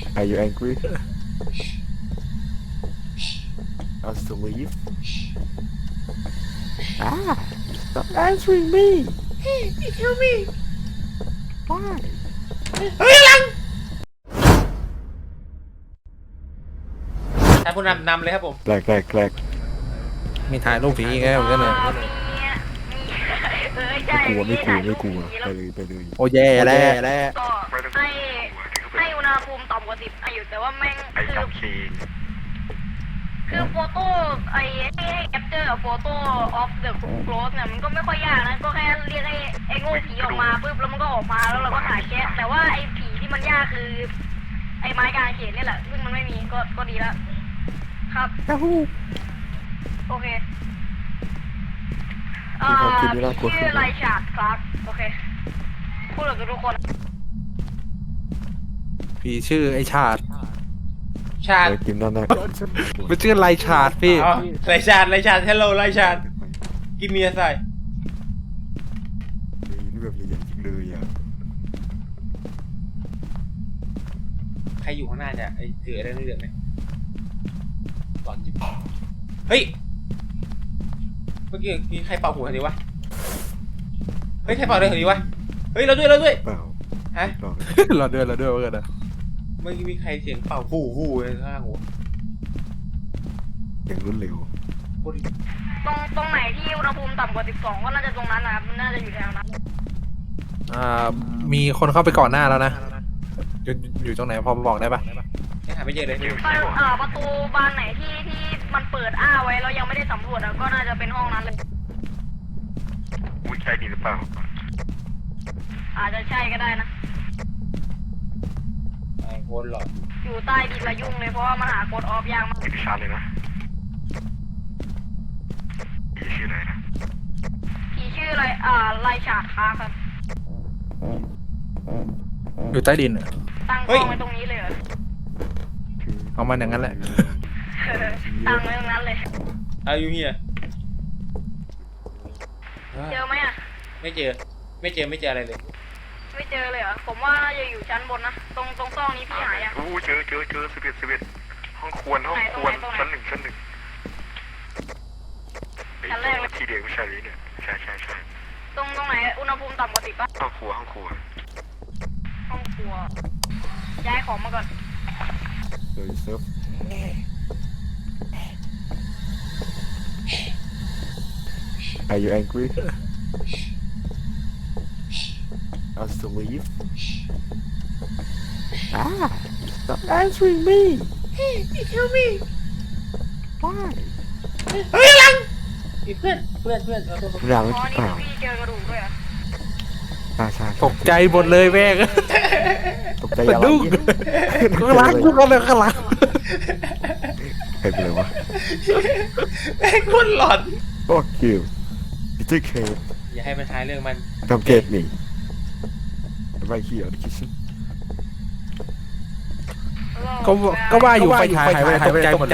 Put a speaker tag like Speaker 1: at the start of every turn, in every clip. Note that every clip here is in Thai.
Speaker 1: Are you angry? Us to leave? Stop answering me.
Speaker 2: Hey, tell me.
Speaker 1: Why?
Speaker 2: เฮ้ยหลังท่านผู้นำเลยครับผม
Speaker 1: Clack.
Speaker 3: มีถ่ายรูปผีอีกแล้วเหมือนกันเลย
Speaker 1: ไม่กลัวไปเลย
Speaker 3: โอ้แย่แล้ว
Speaker 4: ก็ให้อุณหภูมิต่ำกว่า10อยู่แต่ว่าแม่งคือโฟโต้ให้แคปเจอร์โฟโต้ออฟเดอะโคลสเนี่ยมันก็ไม่ค่อยยากนะก็แค่เรียกไอ้โง่ผีออกมาปุ๊บแล้วมันก็ออกมาแล้วเราก็ถ่ายแค่แต่ว่าไอ้ผีที่มันยากคือไอ้ไม้กางเขนนี่แหละซึ่งมันไม่มีก็ดีแล้วครับโอเคชื่อไรชาร์ดคลาร์กโอเคพูดกับทุกคน
Speaker 3: ผีชื่อไอชาติ
Speaker 2: ชาติ
Speaker 1: กินนั่นนะ
Speaker 3: มันชื่อไรชาติพี่
Speaker 2: อ๋อไรชาติhello ไรชาติกินเมียใส่
Speaker 1: นี่แบบใหญ่ๆจริงเลยอ่ะ
Speaker 2: ใครอยู่ข้างหน้าเนี่ยไอ้ถืออะไรเรื่องไหมหลอนจิ๊บเฮ้ยเมื่อกี้มีใครเป่าหูคนนี้วะเฮ้ยใครเป่าเลยคนนี้วะเฮ้ยเราด้วย
Speaker 1: เปล่า
Speaker 2: ฮะ
Speaker 3: เราเดินว่ากันนะ
Speaker 2: เมื่อกี้มีใครเสียงเป่าหูข้างหัว
Speaker 1: อย่างรวดเร็ว
Speaker 4: ตรงไหนที่อุณหภูมิต่ำกว่า12ก็น่าจะตรงนั้นนะครับมันน่าจะอยู่แถวนั้น
Speaker 3: มีคนเข้าไปก่อนหน้าแล้วนะอยู่ตรงไหนพอบอกได้ปะ
Speaker 2: ยังหาไม่เจอเลย
Speaker 4: ประตูบานไหนที่มันเปิดอ้าไว้เรายังไม่ได้สำรวจก็น่าจะเป็นห้องนั้นเลย
Speaker 1: อุ้ยใช่ดีหรือเปล่า
Speaker 4: อาจจะใช่ก็ได้นะ
Speaker 2: ไอ้โคนหลอน
Speaker 4: อยู่ใต้ดินระยุ่งเลยเพราะว่ามันหากดออฟยากมาก
Speaker 1: ติดชาเลยนะชื่ออะไรนะ
Speaker 4: ผีชื่ออะไรไลชาร์ดคาร์ครับ
Speaker 3: อยู่ใต้ดินอะ
Speaker 4: ตั้งกล้องไว้ตรงนี้เลยเหรอ
Speaker 3: เอามันอย่างนั้นแหละ
Speaker 4: ตั้งไว้ตรงนั้นเลย
Speaker 2: อายุเฮีย
Speaker 4: เจอไหมอ่ะ
Speaker 2: ไม่เจออะไรเลย
Speaker 4: ไม่เจอเลยเหรอผมว่าน่าจะอยู่ชั้นบนนะตรงซอกนี้พี่หายอ่ะ
Speaker 1: อู้เจอ11ห้องครัวชั้นหนึ่ง
Speaker 4: ชั้นแรกเลย
Speaker 1: ทีเดียวไม่ใช่เลยเนี่ยใช่
Speaker 4: ตรงไหนอุณหภูมิต่ำกว่า10ป่ะ
Speaker 1: ห้องครัว
Speaker 4: ห้องครัวย้ายของมาก่อน
Speaker 1: เดี๋ยวเซิร์ฟ Are you angry? Us to leave? Stop answering me.
Speaker 2: Hey, tell me.
Speaker 1: Why?
Speaker 2: เฮ้ยหลังอีเพื่อนเอาตัว
Speaker 1: หลัง
Speaker 4: อ๋อ
Speaker 1: เป
Speaker 4: นี่
Speaker 1: ล่า
Speaker 4: พี่เจอกระดูกด้วยเหรอ
Speaker 1: ใช่
Speaker 3: ตกใจหมดเลยแม่ง
Speaker 1: ตกใจอะไร
Speaker 3: ดุ้งข้างหลังทุกคนเลยข้างหลัง
Speaker 1: ใครเป็นไรวะ
Speaker 2: แม่งโคนหลอน
Speaker 1: Fuck you. You take care.
Speaker 2: อย่าให้มันท้ายเรื่องมัน
Speaker 1: Come get me. Right here in the kitchen.
Speaker 3: ก็ว่าอยู่ไฟฉายหายไปตกใจหมดเลย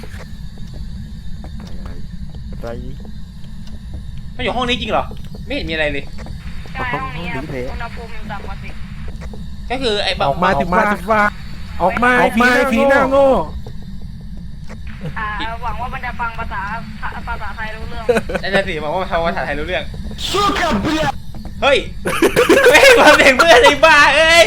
Speaker 1: อะไร
Speaker 2: มันอยู่ห้องนี้จริงเหรอไม่เห็นมีอะไรเลย
Speaker 4: ใช่ห้องนี้ครับอุณหภูมิต่ำกว่า10
Speaker 2: ก็คือไอ้
Speaker 3: ออกมาติว่าออกมาผีหน้าโง่
Speaker 4: หวังว่ามันจะฟังภาษาไทยรู้เรื่อง
Speaker 2: นั่นน่ะสิบอกว่าทำภาษาไทยรู้เรื่องเฮ้ยไม่มาเสียงเพื่อนไอ้บ้าเอ้ย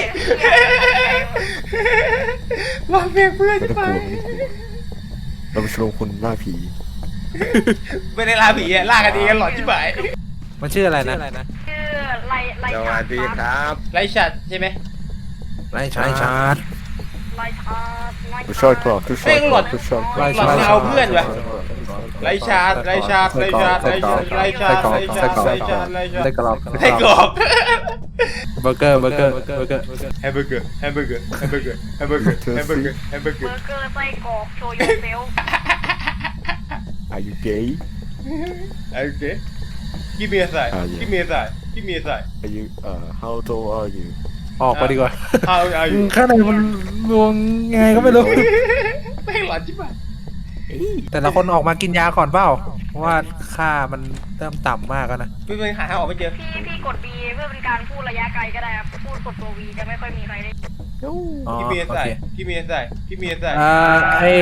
Speaker 2: มาเสียงเพื่อน
Speaker 1: ไม่
Speaker 2: ใช่
Speaker 1: ต้อง
Speaker 2: ไหม
Speaker 1: กลัวเราไปชมคนล่าผี
Speaker 2: ไม่ได้ล่าผีอะล่ากันเองกันหลอนชิบหาย
Speaker 3: มันชื่ออะไรนะ
Speaker 4: ชื่อไลชาร์ดครับ
Speaker 2: ไรชัดใช่ไหม
Speaker 3: ไรชาติ
Speaker 4: ไลชาร์ด
Speaker 1: ทุกช็อตกรอบทุกช็อตกรอบทุกช็อต
Speaker 2: หลอนไม่เอาเพื่อนวะไรชัด
Speaker 3: ไส้กรอก
Speaker 2: ให้กรอบ
Speaker 3: เบอร์เกอร์
Speaker 2: แฮมเบอร์เกอร์แฮมเบอร์เกอร์แฮมเบอร์เกอร์แฮมเบอร์เกอร์แฮมเบอร์เกอร์แฮมเบอร์เกอร์
Speaker 4: เบอร์เกอร์ไส้กรอกโชยุเซล
Speaker 1: Are you gay?
Speaker 2: โอเคgive me a sign give me a sign give me a sign
Speaker 1: Are you how tall are you?
Speaker 3: ออกไปดีกว่า
Speaker 2: how are you
Speaker 3: ข้างในมันรวงไงก็ไม่รู้
Speaker 2: ไม่หลอนชิบหาย
Speaker 3: แต่ละคนออกมากินยาก่อนเปล่าเพราะว่าค่ามันเริ่มต่ำมากแล้วนะ
Speaker 2: ไม่เป็นหาทางออกไม่เจอ
Speaker 4: พี่กด B เพื่อเป็นการพูดระยะไกลก็ได้ครับพูดกดตัว V จะไม่ค่อยมีใครได้
Speaker 3: อ๋อ
Speaker 2: พี่เมีย
Speaker 3: โอ
Speaker 2: ใส่
Speaker 3: เค
Speaker 2: พี่เมียใส่พี่เมียใส่
Speaker 3: ไอ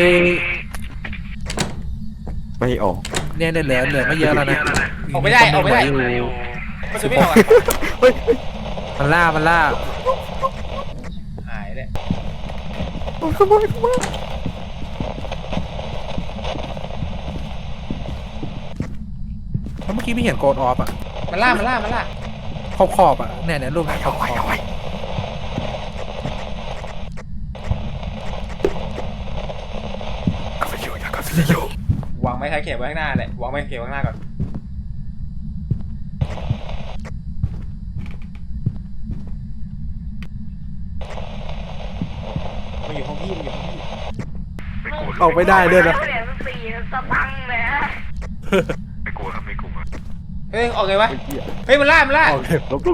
Speaker 5: ไม่ออก
Speaker 3: เนี่ยเหลือไม่เยอะแล้วนะ
Speaker 2: ออกไม่ได้ออกไม่ได้
Speaker 3: อยู่
Speaker 2: มันจะไม่ออกอะ
Speaker 3: มันล่า
Speaker 2: หายเลย
Speaker 3: แล้วเมื่อกี้ไม่เห็นโกดออฟอ่ะ
Speaker 2: มันล่ามันล่ามันล่า
Speaker 3: ขอบอ่ะเนี่ยรูปขอบ
Speaker 2: วางไม้ท้ายเข็มไว้ข้างหน้าแหละวางไม้เข็มไว้ข้างหน้าก่อนมันอยู่ห้องพี่มันอยู่ห้องพี่
Speaker 1: ไม่กลัว
Speaker 3: ออกไม่ได้ด้วยนะ
Speaker 4: เหรียญ4 สตังค์เลยฮะ
Speaker 1: ไม่กลัวครับไม่กลัว
Speaker 2: เฮ้ยออกไงวะเฮ้ยมันล่ามันล่า
Speaker 3: เอา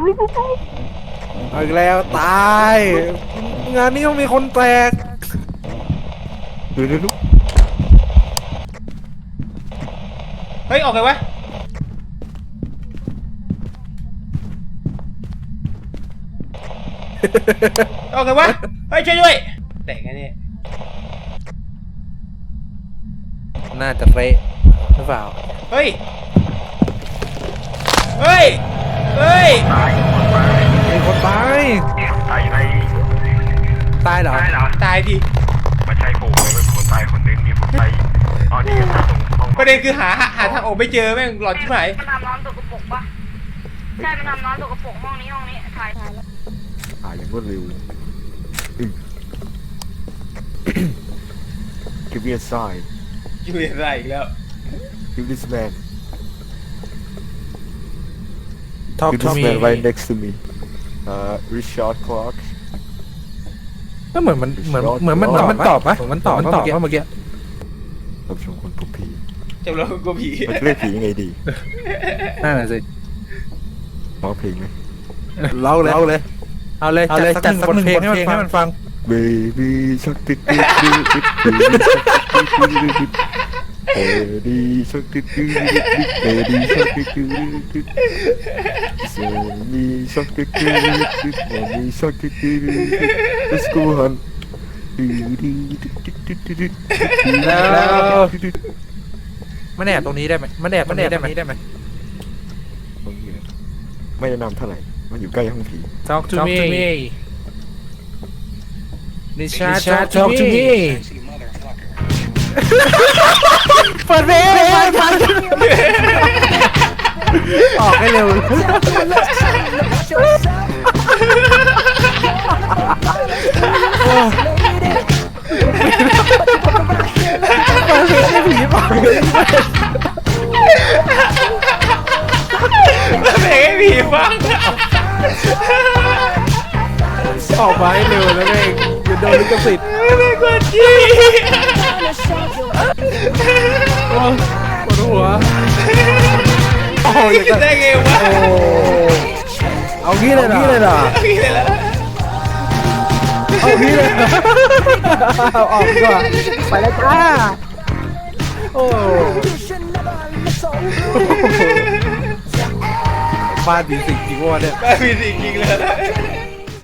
Speaker 3: อีกแล้วตาย งานนี้ต้องมีคนแตก
Speaker 5: ดู
Speaker 2: เฮ้ยออกไงวะออกไงวะเฮ้ยช่วยด้วยแต่งไงเนี่ย
Speaker 3: น่าจะเละหรือเปล่า
Speaker 2: เฮ้ยเฮ้ยเฮ้ย
Speaker 3: มีคนตาย
Speaker 1: ตายไหน
Speaker 3: ตายเหรอ
Speaker 1: ตายเหรอ
Speaker 2: ตายดิ
Speaker 1: ไม่ใช่ผมเลยเป็นคนตายคนนึงมีคนตายอ๋อนี่ตรงห้อง
Speaker 2: ประเด็นคือหาทางออกไม่เจอแม่งหลอนชิบหาย
Speaker 4: มันทำน้ำตกกระปรกปะใช่มันทำน้ำตกกระปรกห้องนี้ถ่ายแล้ว
Speaker 5: อย่างรวดเร็ว Give me a sign
Speaker 2: อยู่อะไรอีกแล้ว
Speaker 5: Give this man
Speaker 3: Talk
Speaker 5: Give
Speaker 3: to
Speaker 5: this
Speaker 3: me
Speaker 5: man right next to me Richard Clark
Speaker 3: ก็เหมือนมันตอบปะเหมือนมันตอบเมื่อกี้
Speaker 5: รับชมคนพบผี
Speaker 2: จำเรากลัวผี
Speaker 5: มันจะเรียกผียังไงดี
Speaker 3: นั่นแหละสิ
Speaker 5: ร้องเพลงไหม
Speaker 3: เล่าเลยเอาเลยจัดสักหนึ่งบทเพลงให้มันฟัง
Speaker 5: Baby shark did did did did Baby shark did did did Baby shark did did did Baby shark did did did Baby shark did did did Let's go hunt
Speaker 3: แล้วมันแอบตรงนี้ได้ไหมมันแอบตรงนี้ได้ไหม
Speaker 5: ไม่แนะนำเท่าไหร่ มันอยู่ใกล้ห้องผี
Speaker 3: Talk to me นิชา Talk to me เปิดเพลงออกให้เร็วผีบอก
Speaker 2: เพลงให้ผีฟัง
Speaker 3: ออกมาให้เร็วแล้วเองอย่าโดนลิขสิทธิ์
Speaker 2: ไม่กดจี้
Speaker 3: ปวดหัวโอ้ย
Speaker 2: คิดได้ไงวะ
Speaker 3: เอางี้เลยเหรอ
Speaker 2: นี่เลยละ
Speaker 3: เอางี้เลยออกดีกว่าไปแล้วจ้าโอ้บ้านผีสิงจริงวะเนี่ย
Speaker 2: บ้าผีสิงจริงเลย